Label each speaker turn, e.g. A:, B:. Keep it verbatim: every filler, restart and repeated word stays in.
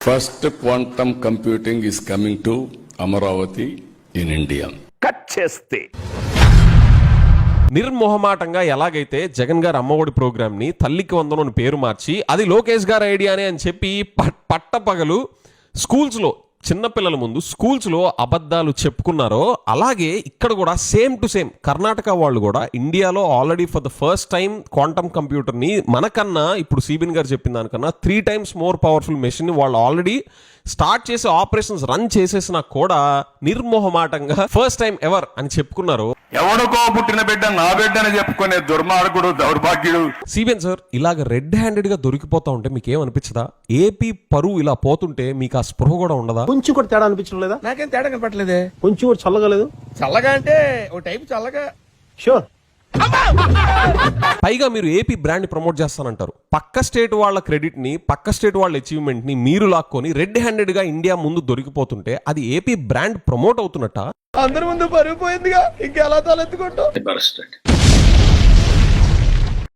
A: First quantum computing is coming to Amaravati in India.
B: Cut చేస్తే
C: నిర్మోహమాటంగా ఎలాగైతే జగన్ గారు అమ్మఒడి ప్రోగ్రామ్ ని తల్లికి వందనం పేరు మార్చి అది లోకేష్ గారి ఐడియానే అని చెప్పి పట్టపగలు స్కూల్స్ లో చిన్నపిల్లల ముందు స్కూల్స్ లో అబద్ధాలు చెప్పుకున్నారో అలాగే ఇక్కడ కూడా సేమ్ టు సేమ్ కర్ణాటక వాళ్ళు కూడా ఇండియాలో already for the first time quantum computer ని మనకన్నా ఇప్పుడు సిబిన్ గారు చెప్పిన దానికన్నా three times more powerful machine ని వాళ్ళు ఆల్రెడీ స్టార్ట్ చేసే ఆపరేషన్స్ రన్ చేసేసినా కూడా నిర్మోహమాటంగా ఫస్ట్ టైం ఎవర్ అని చెప్పుకున్నారు.
B: ఎవడుకో పుట్టిన బిడ్డ నా బిడ్డ అని చెప్పుకునే దుర్మార్గుడు దౌర్భాగ్యుడు
C: సిబిఎన్ సార్ ఇలాగ రెడ్ హ్యాండెడ్ గా దొరికిపోతా ఉంటే మీకు ఏమనిపించదా? ఏపీ పరువు ఇలా పోతుంటే మీకు ఆ స్పృహ కూడా ఉండదా?
D: కొంచెం కూడా తేడా అనిపించడం లేదా?
E: నాకేం తేడా కనపట్లేదే.
D: కొంచెం కూడా చల్లగా లేదు?
E: చల్లగా అంటే ఓ టైప్ చల్లగా.
D: షూర్.
C: పైగా మీరు ఏపీ బ్రాండ్ ప్రమోట్ చేస్తానంటారు. పక్క స్టేట్ వాళ్ళ క్రెడిట్ ని పక్క స్టేట్ వాళ్ళ అచీవ్మెంట్ ని మీరు లాక్కొని రెడ్ హ్యాండెడ్ గా ఇండియా ముందు దొరికిపోతుంటే అది ఏపీ బ్రాండ్ ప్రమోట్ అవుతున్నట్ట?
E: అందరి ముందు పరుగు పోయిందిగా, ఇంకెలా తలెత్తుకుంటాం.